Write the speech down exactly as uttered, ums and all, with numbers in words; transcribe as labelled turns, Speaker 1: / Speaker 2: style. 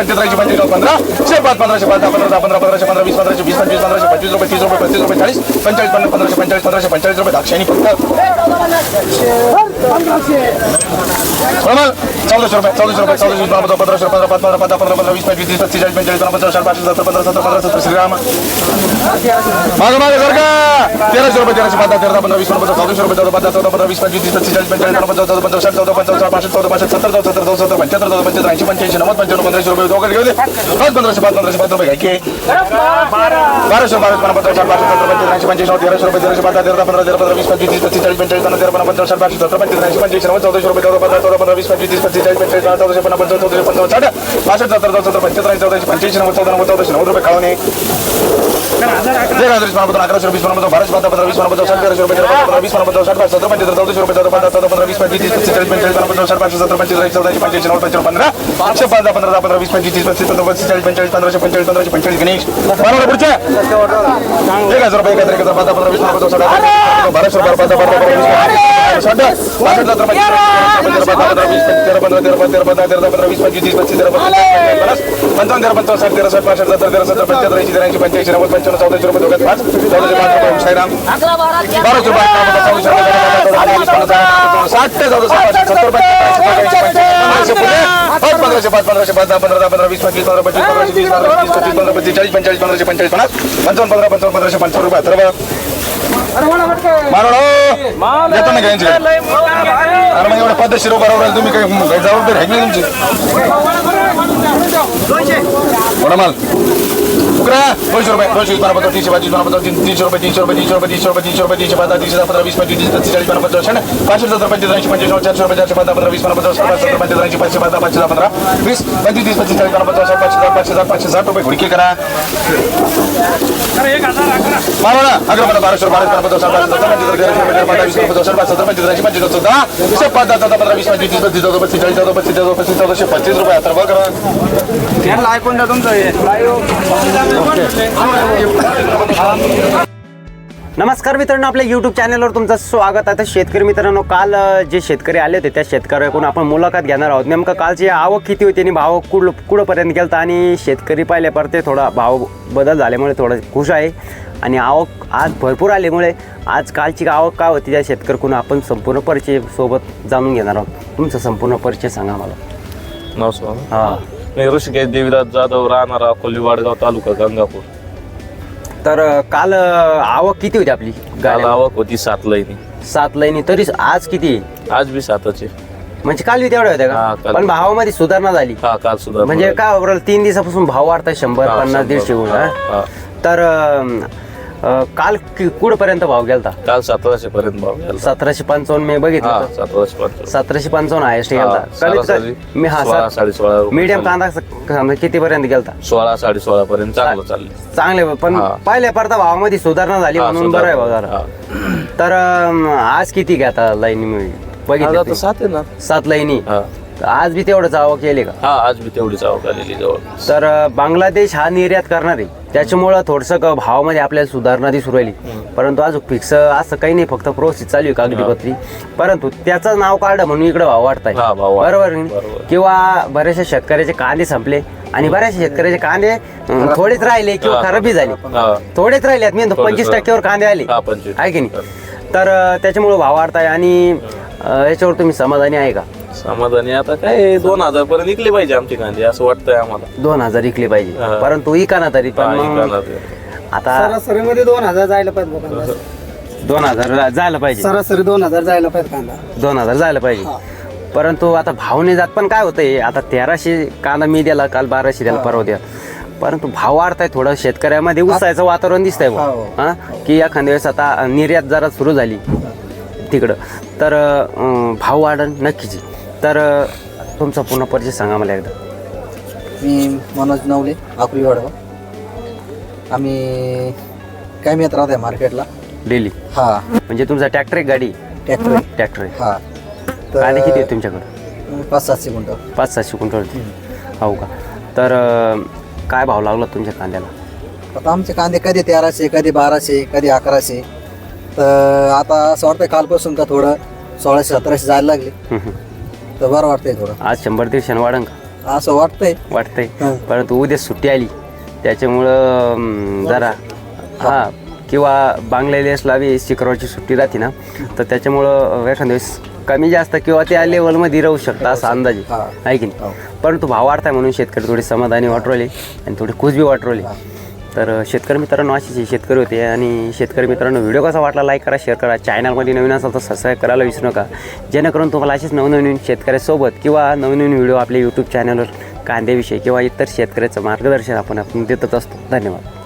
Speaker 1: पंचवीस त्र्याऐंशी पंचवीस पंधरा शे पाच पंधराशे पाच दहा पंधरा पंधरा पंधराशे पंधरा वीस पंधराशे वीस पंचवीस पंधराशे पंचवीस रुपये तीस रुपये पस्तीस रुपये चाळीस पंचेचाळीस पन्नास पंधराशे पंचेचाळीस पंधराशे पंचेचाळीस रुपये दाक्षायणी फक्त चौदाशे रुपये चौदाशे रुपये चौदाशे पंधरा पंधराशे पंधरा पाच पंधरा पंधरा पंधरा पंधरा वीस पंचवीस तीस पस्तीस चाळीस पंचेचाळीस पंधरा चार पाचशे सत्तर पंधरा सत्तर पंधरा सत्तर श्रीराम मागं मागे सर का तेराशे रुपये तेराशे पंधरा तेरा पंधरा वीस पंधरा चौदाशे रुपये चौदा पंधरा चौदा पंधरा वीस पंचवीस तीस पस्तीस चाळीस पंचेचाळीस पंधरा चौदा पंधरा साठ चौदा पंधरा पाचशे चौदा पाचशे सत्तर चौदा सत्तर चौदा सत्तर पंच्याहत्तर चौदा पंच्याहत्तर ऐंशी पंच्याऐंशी नव्वद पंच्याण्णव पंधराशे रुपये दोघं घेऊ दे पाच पंधराशे पाच पंधराशे पाच रुपये घ्यायचे बाराशे बारा पंधरा चार पाचशे सत्तर पंचेचाळीस ऐंशी पंच्याऐंशी तेराशे रुपये तेराशे पंधरा तेरा पंधरा तेरा पंधरा वीस पंचवीस तीस पस्तीस चाळीस पंचेचाळीस पंधरा तेरा पंधरा चार पाचशे सत्तर पंचेचाळीस ऐंशी पंच्याऐंशी नव्वद चौदाशे रुपये चौदा पंधरा चौदा पंधरा वीस पंचवीस तीस पस्तीस चाळीस पंचेचाळीस चौदाशे पन्नास पंचावन्न चौदाशे पंचावन्न साठ पासष्ट सत्तर सत्तर पंच्याहत्तर चौदाशे पंच्याऐंशी नव्वद चौदा नव्वद चौदाशे नव्वद रुपये खावणे अकराशे रुपये पंधरा बाराशे पंधरा पंधरा वीस पंधरा साठ तेराशे रुपये पंधरा वीस पंधरा साठ सत्तर पंच्याहत्तर चौदाशे रुपये चौदा पंधरा चौदा पंधरा वीस पंचवीस तीस पस्तीस चाळीस पंचेचाळीस पंधरा साठ पाचशे सत्तर पंचेचाळीस चौदाशे पंच्याऐंशी नव्वद पंच्याण्णव पंधरा एकशे पाच दहा पंधरा पंधरा वीस पंचवीस तीस पस्तीस पंधरा पस्तीस चाळीस पंचेचाळीस पंधराशे पंचेचाळीस पंधराशे पंचेचाळीस गणेश बरोबर पुढचे एक हजार रुपये एक हजार पंधरा पंधरा वीस पंधरा साठ बाराशे रुपये पंधरा पंधरा साठ पासष्ट सत्तर पंधरा वीस तेरा पंधरा तेरा तेरा पंधरा तेरा पंधरा वीस पंचवीस तीस पस्तीस तेरा पन्नास पंचावन्न तेरा पंचावन्न साठ तेरा साठ पासष्ट सत्तर तेरा सत्तर पंच्याहत्तर ऐंशी ऐंशी पंच्याऐंशी नव्वद पंच्याण्णव चौदाशे रुपये दोघात पाच चौदाशे पाच रुपये साईराम बाराशे रुपये साठ ते चौदाशे सत्तर पाच पंधराशे पाच पंधराशे पाच दहा पंधरा पंधरा वीस पंचवीस पंधरा पंचवीस पंधराशे वीस पंधरा वीस पंचवीस पंधरा पंचवीस चाळीस पंचेचाळीस पंधराशे पंचेचाळीस पन्नास पंचावन्न पंधरा पंचावन्न पंधराशे पंचावन्न रुपये अथर्व मारो येतो ना घ्यायचे अरे मग एवढं पद्धतशीर बरोबर तुम्ही काही जबाबदारी आहे नाही तुमची थोडा माल उकरा दोनशे रुपये दोनशे वीस पंधरा तीनशे पंचवीस पंधरा तीनशे रुपये तीनशे रुपये तीनशे रुपये तीनशे रुपये तीनशे रुपये तीनशे पंधरा तीनशे पंधरा वीस पंचवीस तीस पस्तीस चाळीस पंधरा पंचावन्न पाचशे सत्तर पंचवीस ऐंशी पंचवीस चारशे रुपये चारशे पंधरा पंधरा वीस पंधरा पंधरा सत्तर पंचवीस ऐंशी पाचशे पंधरा पाचशे पंधरा वीस पंचवीस तीस पस्तीस चाळीस पंधरा पंचावन्न पाचशे सात पाचशे सात पाचशे साठ रुपये घुडकी करा मारो ना अकरा पंधरा बाराशे बारा पंधरा साठ पाचशे सत्तर पंचवीस तेराशे रुपये पंधरा वीस पंधरा साठ पाचशे सत्तर पंचवीस ऐंशी पंचवीस चौदा वीस पाच दहा चौदा पंधरा वीस पंचवीस तीस पस्तीस चौदा पस्तीस चाळीस चौदा पस्तीस चौदा पस्तीस चौदाशे पस्तीस रुपये आता बघ करा ऐकून द्या तुमचं
Speaker 2: नमस्कार मित्रांनो, आपल्या यूट्यूब चॅनलवर तुमचं स्वागत आहे. शेतकरी मित्रांनो, काल जे शेतकरी आले होते त्या शेतकऱ्याकडून आपण मुलाखत घेणार आहोत. नेमकं कालची आवक किती होती आणि भाव कुड कुठंपर्यंत गेलता आणि शेतकरी पाहिल्या परते थोडा भाव बदल झाल्यामुळे थोडं खुश आहे आणि आवक आज भरपूर आल्यामुळे आज कालची आवक काय होती त्या शेतकऱ्याकडून आपण संपूर्ण परिचय सोबत जाणून घेणार आहोत. तुमचा संपूर्ण परिचय सांगा मला.
Speaker 3: नमस्कार.
Speaker 2: हां,
Speaker 3: मी ऋषिकेश देवीदास जाधव, राहणार अकोली, वाडगाव तालुका, गंगापूर.
Speaker 2: तर काल आवक किती होती आपली?
Speaker 3: काल आवक होती सात लाईनी.
Speaker 2: सात लाईनी. तरी आज किती?
Speaker 3: आज बी सातच आहे.
Speaker 2: म्हणजे काल बी तेवढ्या होत्या
Speaker 3: हा,
Speaker 2: का?
Speaker 3: काल.
Speaker 2: पण भावामध्ये सुधारणा झाली.
Speaker 3: हा, काल सुद्धा
Speaker 2: म्हणजे काय बरोबर तीन दिवसापासून भाव वाढताय शंभर
Speaker 3: हा,
Speaker 2: पन्नास
Speaker 3: शंभर.
Speaker 2: दीडशे गुण.
Speaker 3: हा, हा.
Speaker 2: तर अं, अं, काल कुठपर्यंत भाव गेलता?
Speaker 3: काल सतराशे पर्यंत भाव गेला.
Speaker 2: सतराशे पंचावन्न मी बघितलं
Speaker 3: हा,
Speaker 2: होतं.
Speaker 3: सतराशे पंचावन्न.
Speaker 2: सतराशे पंचावन्न हायस्ट
Speaker 3: हा,
Speaker 2: गेलता.
Speaker 3: सरासरी
Speaker 2: मी हा
Speaker 3: सोळा साडे सोळा रुपये
Speaker 2: मीडियम
Speaker 3: चालले.
Speaker 2: कांदा किती पर्यंत गेलता?
Speaker 3: सोळा साडे सोळा पर्यंत चांगलं चालले.
Speaker 2: चांगले, पण
Speaker 3: हा.
Speaker 2: पहिल्या परता भावामध्ये सुधारणा झाली
Speaker 3: हा,
Speaker 2: म्हणून बरं आहे भाव
Speaker 3: सुधारणा.
Speaker 2: जरा.
Speaker 3: हा.
Speaker 2: तर अं, आज किती घेता लाईनी
Speaker 3: आज
Speaker 2: बघितलं
Speaker 3: आता सात आहे ना.
Speaker 2: सात लाईनी.
Speaker 3: हा,
Speaker 2: आज बी तेवढंच आवक केली का?
Speaker 3: हा, आज बी तेवढीच आवक आलेली जवळ.
Speaker 2: तर बांगलादेश हा निर्यात करणार आहे, त्याच्यामुळं थोडंसं क- भावामध्ये आपल्याला सुधारणा दिसू राहिली. परंतु अजून फिक्स असं काही नाही, फक्त प्रोसेस चालू आहे कागदीपत्री. परंतु त्याचं नाव काढलं म्हणून इकडे भाव वाढताय.
Speaker 3: हा, भाव वाढ-
Speaker 2: बरोबर नाही?
Speaker 3: बरोबर.
Speaker 2: किंवा बऱ्याचशा शेतकऱ्याचे कांदे संपले आणि बऱ्याचशा शेतकऱ्याचे कांदे अं, थोडेच राहिले किंवा
Speaker 3: हा.
Speaker 2: खराबी झाली.
Speaker 3: हा.
Speaker 2: थोडेच राहिले मी म्हणतो
Speaker 3: थोडेच
Speaker 2: पंचवीस
Speaker 3: राहिले.
Speaker 2: टक्क्यावर कांदे आले,
Speaker 3: हा, पंचवीस.
Speaker 2: आहे की नाही? तर अं, त्याच्यामुळे भाव वाढताय आणि अं, याच्यावर तुम्ही समाधानी आहे का?
Speaker 3: समाधानी आता काय दोन हजार पर्यंत निघले पाहिजे आमची कांदे असं वाटतंय आम्हाला.
Speaker 2: दोन हजार विकले पाहिजे,
Speaker 3: हा.
Speaker 2: परंतु इकाना तरी पण
Speaker 3: हा,
Speaker 2: मग
Speaker 3: इकाना ते.
Speaker 2: आता
Speaker 4: सरासरीमध्ये दोन हजार जायला पाहिजे बघा कांदा.
Speaker 2: दोन हजार जायला पाहिजे.
Speaker 4: सरासरी दोन हजार जायला पाहिजे कांदा.
Speaker 2: दोन हजार जायला पाहिजे. परंतु आता भाव नाही जात. पण काय होतंय, आता तेराशे कांदा मी द्याला, काल बाराशे द्याला, परवा द्या. परंतु भाव वाढताय थोडं, शेतकऱ्यामध्ये उत्साहाचं वातावरण दिसतंय बुवा.
Speaker 4: हो.
Speaker 2: हा, की एखाद्या वेळेस आता निर्यात जरा सुरू झाली तिकडं, तर अं, भाव वाढन नक्कीच. तर अं, तुमचा पूर्ण परिचय सांगा मला एकदा.
Speaker 4: मी मनोज नवले, आकुरी वाडगाव. आम्ही काय मी येत राहत आहे मार्केटला.
Speaker 2: डेली.
Speaker 4: हा,
Speaker 2: म्हणजे तुमचा ट्रॅक्टर एक गाडी?
Speaker 4: ट्रॅक्टर.
Speaker 2: ट्रॅक्टर आहे.
Speaker 4: हा,
Speaker 2: कांदे किती आहेत तुमच्याकडं?
Speaker 4: पाच सातशे गुंठ.
Speaker 2: पाच सातशे क्विंटल. हो का? तर अं, काय भाव लागला तुमच्या कांद्याला?
Speaker 4: आता आमचे कांदे कधी तेराशे, कधी बाराशे, कधी अकराशे. तर आता असं वाटतंय कालपासून का थोडं सोळाशे सतराशे जायला लागले,
Speaker 2: हं, हं.
Speaker 4: तर बरं वाटतंय थोडं.
Speaker 2: आज शंभर दीडशे वाढन का?
Speaker 4: असं वाटतंय.
Speaker 2: वाटतंय.
Speaker 4: हं.
Speaker 2: परंतु उद्या सुट्टी आली त्याच्यामुळं अं, जरा हां किंवा बांगलादेशला बी शुक्रवारची सुट्टी राहते ना, तर त्याच्यामुळं एखाद्या वेळेस कमी जास्त किंवा त्या लेवलमध्ये राहू शकतं असा अंदाज आहे.
Speaker 4: हा.
Speaker 2: आहे की नाही. परंतु भाव वाढताय म्हणून शेतकरी थोडी समाधानी वाटवले आणि थोडी खुश बी वाटवली. तर शेतकरी मित्रांनो अशीच हे शेतकरी होते. आणि शेतकरी मित्रांनो व्हिडिओ कसा वाटला लाईक करा, शेअर करा. चॅनलमध्ये नवीन असाल तर सबस्क्राईब करायला विसरू नका, जेणेकरून तुम्हाला असेच नवनवीन शेतकऱ्यासोबत किंवा नवनवीन व्हिडिओ आपल्या यूट्यूब चॅनलवर कांद्याविषयी किंवा इतर शेतकऱ्याचं मार्गदर्शन आपण आपण देतच असतो. धन्यवाद.